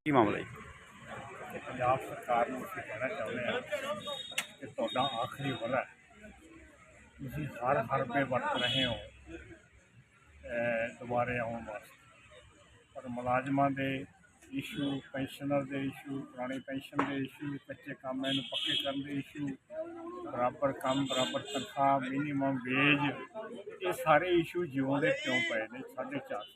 ਕੀ ਮਾਮਲਾ ਜੀ? ਪੰਜਾਬ ਸਰਕਾਰ ਨੂੰ ਅਸੀਂ ਕਹਿਣਾ ਚਾਹੁੰਦੇ ਹਾਂ ਕਿ ਤੁਹਾਡਾ ਆਖਰੀ ਵਰ੍ਹਾ ਹੈ। ਤੁਸੀਂ ਹਰ ਰੁਪਏ ਵਰਤ ਰਹੇ ਹੋ ਦੁਬਾਰੇ ਆਉਣ ਵਾਸਤੇ, ਪਰ ਮੁਲਾਜ਼ਮਾਂ ਦੇ ਇਸ਼ੂ, ਪੈਨਸ਼ਨਰ ਦੇ ਇਸ਼ੂ, ਪੁਰਾਣੀ ਪੈਨਸ਼ਨ ਦੇ ਇਸ਼ੂ, ਕੱਚੇ ਕੰਮ ਨੂੰ ਪੱਕੇ ਕਰਨ ਦੇ ਇਸ਼ੂ, ਬਰਾਬਰ ਕੰਮ ਬਰਾਬਰ ਤਨਖਾਹ, ਮਿਨੀਮਮ ਵੇਜ, ਇਹ ਸਾਰੇ ਇਸ਼ੂ ਜਿਉਂਦੇ ਕਿਉਂ ਪਏ ਨੇ 450।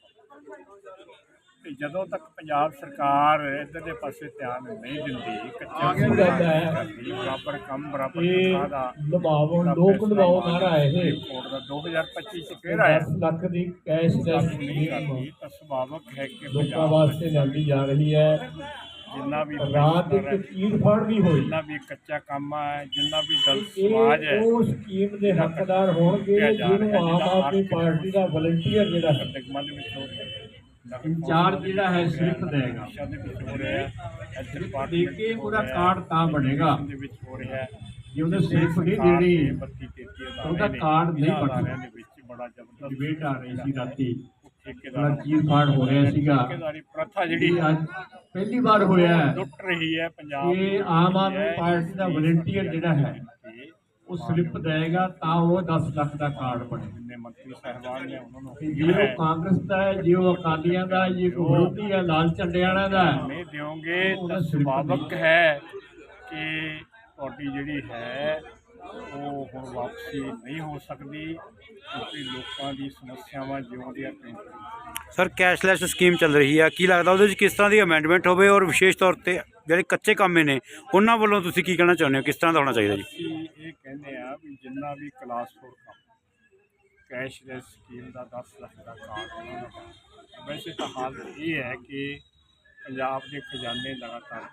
ਤੇ ਜਦੋਂ ਤੱਕ ਪੰਜਾਬ ਸਰਕਾਰ ਇੱਧਰਲੇ ਪਾਸੇ ਧਿਆਨ ਨਹੀਂ ਦਿੰਦੀ, ਕੱਚੇ ਬਰਾਬਰ ਕੰਮ ਬਰਾਬਰ ਤਨਖਾਹ ਦਾ ਲੋਕ ਲਵਾਓ ਨਾਰਾ ਇਹ ਕੋਡ ਦਾ 2025 ਚ ਫਿਰ ਆਇਆ 10 ਲੱਖ ਦੀ ਕੈਸ਼ ਨਹੀਂ ਕਰਦੀ ਤਾਂ ਸੁਭਾਵਕ ਹੈ ਕਿ ਲੋਕਾਂ ਵਾਸਤੇ ਲਿਆਂਦੀ ਜਾ ਰਹੀ ਹੈ। ਜਿੰਨਾ ਵੀ ਰਾਤ ਇੱਕ ਚੀਰ ਫਾੜ ਵੀ ਹੋਈ, ਜਿੰਨਾ ਵੀ ਕੱਚਾ ਕੰਮ ਹੈ, ਜਿੰਨਾ ਵੀ ਦਲਿਤ ਸਮਾਜ ਹੈ, ਉਹ ਸਕੀਮ ਦੇ ਹੱਕਦਾਰ ਹੋਣਗੇ ਜਿਹਨੂੰ ਆਮ ਆਦਮੀ ਪਾਰਟੀ ਦਾ ਵਲੰਟੀਅਰ ਜਿਹੜਾ ਹੈ, ਨਿਗਮਾਂ ਦੇ ਵਿੱਚ ਹੋ ਰਿਹਾ, ਇੰਚਾਰਜ ਜਿਹੜਾ ਹੈ ਸਿਰਫ ਦੇਗਾ ਨਸ਼ਾ ਦੇ ਵਿੱਚ ਹੋ ਰਿਹਾ, ਦੇ ਕੇ ਉਹਦਾ ਕਾਰਡ ਤਾਂ ਬਣੇਗਾ ਦੇ ਵਿੱਚ ਹੋ ਰਿਹਾ, ਜੇ ਉਹਨੇ ਸਿਰਫ ਨਹੀਂ ਦੇਣੀ 32-33 ਉਹਦਾ ਕਾਰਡ ਨਹੀਂ ਬਣੇਗਾ। ਦੇ ਵਿੱਚ ਬੜਾ ਜ਼ਬਰਦਸਤ ਡਿਬੇਟ ਆ ਰਹੀ ਸੀ ਰਾਤੀ, ਠੇਕੇਦਾਰ ਚੀਰ ਫਾੜ ਹੋ ਰਿਹਾ ਸੀਗਾ। ਠੇਕੇਦਾਰੀ ਪ੍ਰਥਾ ਜਿਹੜੀ ਅੱਜ ਪਹਿਲੀ ਵਾਰ ਹੋਇਆ ਹੈ ਲੁੱਟ ਰਹੀ ਹੈ ਪੰਜਾਬ ਕਿ ਆਮ ਆਦਮੀ ਪਾਰਟੀ ਦਾ ਵਲੰਟੀਅਰ ਜਿਹੜਾ ਹੈ ਉਹ ਸਲਿੱਪ ਦੇਗਾ ਤਾਂ ਉਹ 10 ਲੱਖ ਦਾ ਕਾਰਡ ਬਣੇ। ਜਿੰਨੇ ਮੰਤਰੀ ਸਾਹਿਬਾਨ ਨੇ ਉਹਨਾਂ ਨੂੰ ਜੇ ਉਹ ਕਾਂਗਰਸ ਦਾ ਹੈ, ਜੇ ਉਹ ਅਕਾਲੀਆਂ ਦਾ, ਜੇ ਕੋਈ ਵਿਰੋਧੀ ਹੈ, ਲਾਲ ਝੰਡੇ ਵਾਲਿਆਂ ਦਾ ਹੈ, ਨਹੀਂ ਦਿਓਗੇ ਤਾਂ ਸੁਭਾਵਕ ਹੈ ਕਿ ਤੁਹਾਡੀ ਜਿਹੜੀ ਹੈ ਉਹ ਹੁਣ ਵਾਪਸੀ ਨਹੀਂ ਹੋ ਸਕਦੀ, ਕਿਉਂਕਿ ਲੋਕਾਂ ਦੀ ਸਮੱਸਿਆਵਾਂ ਜਿਉਂਦੀਆਂ ਪਈਆਂ। ਸਰ, ਕੈਸ਼ਲੈਸ ਸਕੀਮ ਚੱਲ ਰਹੀ ਹੈ, ਕੀ ਲੱਗਦਾ ਉਹਦੇ ਵਿੱਚ ਕਿਸ ਤਰ੍ਹਾਂ ਦੀ ਅਮੈਂਡਮੈਂਟ ਹੋਵੇ, ਔਰ ਵਿਸ਼ੇਸ਼ ਤੌਰ ਤੇ ਜਿਹੜੇ ਕੱਚੇ ਕੰਮ ਨੇ ਉਹਨਾਂ ਵੱਲੋਂ ਤੁਸੀਂ ਕੀ ਕਹਿਣਾ ਚਾਹੁੰਦੇ ਹੋ, ਕਿਸ ਤਰ੍ਹਾਂ ਦਾ ਹੋਣਾ ਚਾਹੀਦਾ ਜੀ? ਅਸੀਂ ਇਹ ਕਹਿੰਦੇ ਆ ਵੀ ਜਿੰਨਾ ਵੀ ਕਲਾਸ 4 ਕੰਮ ਕੈਸ਼ਲੈਸ ਸਕੀਮ ਦਾ 10 ਲੱਖ ਦਾ ਕਾਰਡ, ਵੈਸੇ ਤਾਂ ਹਾਲਤ ਇਹ ਹੈ ਕਿ ਪੰਜਾਬ ਦੇ ਖਜ਼ਾਨੇ ਲਗਾਤਾਰ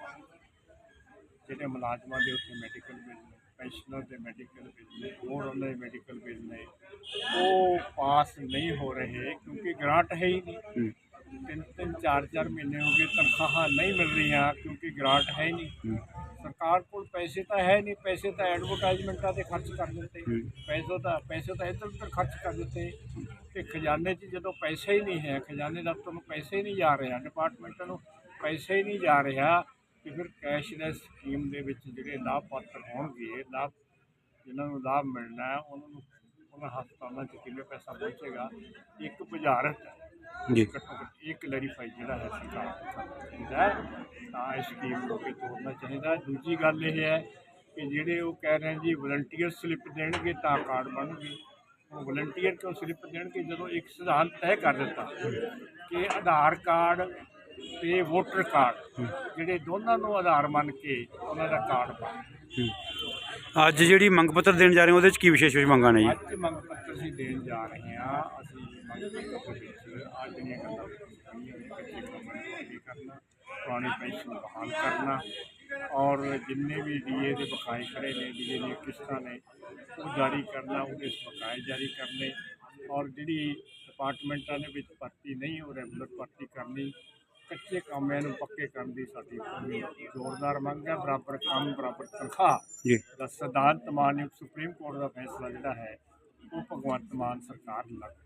ਜਿਹੜੇ ਮੁਲਾਜ਼ਮਾਂ ਦੇ ਉੱਥੇ ਮੈਡੀਕਲ ਬਿੱਲ ਨੇ, ਪੈਨਸ਼ਨਰ ਦੇ ਮੈਡੀਕਲ ਬਿੱਲ ਨੇ, ਹੋਰ ਉਹਨਾਂ ਦੇ ਮੈਡੀਕਲ ਬਿੱਲ ਨੇ, ਉਹ ਪਾਸ ਨਹੀਂ ਹੋ ਰਹੇ ਕਿਉਂਕਿ ਗ੍ਰਾਂਟ ਹੈ ਹੀ ਨਹੀਂ। 3-3 4-4 ਮਹੀਨੇ ਹੋ ਗਏ ਤਨਖਾਹਾਂ ਨਹੀਂ ਮਿਲ ਰਹੀਆਂ ਕਿਉਂਕਿ ਗ੍ਰਾਂਟ ਹੈ ਹੀ ਨਹੀਂ। ਸਰਕਾਰ ਕੋਲ ਪੈਸੇ ਤਾਂ ਹੈ ਨਹੀਂ, ਪੈਸੇ ਤਾਂ ਐਡਵਰਟਾਈਜ਼ਮੈਂਟਾਂ 'ਤੇ ਖਰਚ ਕਰ ਦਿੱਤੇ, ਪੈਸੇ ਤਾਂ ਇੱਧਰ ਉੱਧਰ ਖਰਚ ਕਰ ਦਿੱਤੇ। ਅਤੇ ਖਜ਼ਾਨੇ 'ਚ ਜਦੋਂ ਪੈਸੇ ਹੀ ਨਹੀਂ ਹੈ, ਖਜ਼ਾਨੇ ਦਫ਼ਤਰ ਨੂੰ ਪੈਸੇ ਹੀ ਨਹੀਂ ਜਾ ਰਿਹਾ, ਡਿਪਾਰਟਮੈਂਟਾਂ ਨੂੰ ਪੈਸੇ ਹੀ ਨਹੀਂ ਜਾ ਰਿਹਾ, ਅਤੇ ਫਿਰ ਕੈਸ਼ਲੈਸ ਸਕੀਮ ਦੇ ਵਿੱਚ ਜਿਹੜੇ ਲਾਭਪਾਤਰ ਹੋਣਗੇ, ਜਿਨ੍ਹਾਂ ਨੂੰ ਲਾਭ ਮਿਲਣਾ ਹੈ, ਉਹਨਾਂ ਹਸਪਤਾਲਾਂ 'ਚ ਕਿਵੇਂ ਪੈਸਾ ਪਹੁੰਚੇਗਾ? ਇੱਕ ਬੁਝਾਰਤ ਜੀ, ਘੱਟੋ ਘੱਟ ਇਹ ਕਲੈਰੀਫਾਈ ਜਿਹੜਾ ਹੈ ਸਰਕਾਰ ਚਾਹੀਦਾ ਤਾਂ ਇਸ ਸਕੀਮ ਨੂੰ ਅੱਗੇ ਤੋਰਨਾ ਚਾਹੀਦਾ। ਦੂਜੀ ਗੱਲ ਇਹ ਹੈ ਕਿ ਜਿਹੜੇ ਉਹ ਕਹਿ ਰਹੇ ਜੀ ਵਲੰਟੀਅਰ ਸਲਿੱਪ ਦੇਣਗੇ ਤਾਂ ਕਾਰਡ ਬਣਨਗੇ। ਉਹ ਵਲੰਟੀਅਰ ਕਿਉਂ ਸਲਿੱਪ ਦੇਣਗੇ ਜਦੋਂ ਇੱਕ ਸਿਧਾਂਤ ਤੈਅ ਕਰ ਦਿੱਤਾ ਕਿ ਆਧਾਰ ਕਾਰਡ ਤੇ ਵੋਟਰ ਕਾਰਡ ਜਿਹੜੇ ਦੋਨਾਂ ਨੂੰ ਆਧਾਰ ਮੰਨ ਕੇ ਉਹਨਾਂ ਦਾ ਕਾਰਡ ਬਣ। ਅੱਜ ਜਿਹੜੀ ਮੰਗ ਪੱਤਰ ਦੇਣ ਜਾ ਰਹੇ ਹੋ ਉਹਦੇ ਵਿੱਚ ਕੀ ਵਿਸ਼ੇਸ਼ ਮੰਗਾਂ ਨੇ ਜੀ? ਅੱਜ ਮੰਗ ਪੱਤਰ ਅਸੀਂ ਦੇਣ ਜਾ ਰਹੇ ਹਾਂ। ਅਸੀਂ ਮੰਗ ਪੱਤਰ ਦੇ ਵਿੱਚ ਆ ਜਿਹੜੀਆਂ ਗੱਲਾਂ ਕੱਚੇ ਕੰਮਾਂ ਨੂੰ ਪੱਕੇ ਕਰਨਾ, ਪੁਰਾਣੀ ਪੈਨਸ਼ਨ ਬਹਾਲ ਕਰਨਾ, ਔਰ ਜਿੰਨੇ ਵੀ ਡੀਏ ਦੇ ਬਕਾਏ ਖੜੇ ਨੇ, ਡੀਏ ਦੀਆਂ ਕਿਸ਼ਤਾਂ ਨੇ, ਉਹ ਜਾਰੀ ਕਰਨਾ, ਉਹਦੇ ਬਕਾਏ ਜਾਰੀ ਕਰਨੇ, ਔਰ ਜਿਹੜੀ ਡਿਪਾਰਟਮੈਂਟਾਂ ਦੇ ਵਿੱਚ ਭਰਤੀ ਨਹੀਂ ਉਹ ਰੈਗੂਲਰ ਭਰਤੀ ਕਰਨੀ, ਕੱਚੇ ਕੰਮਾਂ ਨੂੰ ਪੱਕੇ ਕਰਨ ਦੀ ਸਾਡੀ ਜ਼ੋਰਦਾਰ ਮੰਗ ਹੈ। ਬਰਾਬਰ ਕੰਮ ਬਰਾਬਰ ਤਨਖਾਹ ਜੀ ਦਾ ਸਿਧਾਂਤ ਮਾਨਯੋਗ ਸੁਪਰੀਮ ਕੋਰਟ ਦਾ ਫੈਸਲਾ ਜਿਹੜਾ ਹੈ ਉਹ ਭਗਵੰਤ ਮਾਨ ਸਰਕਾਰ ਲੱਗ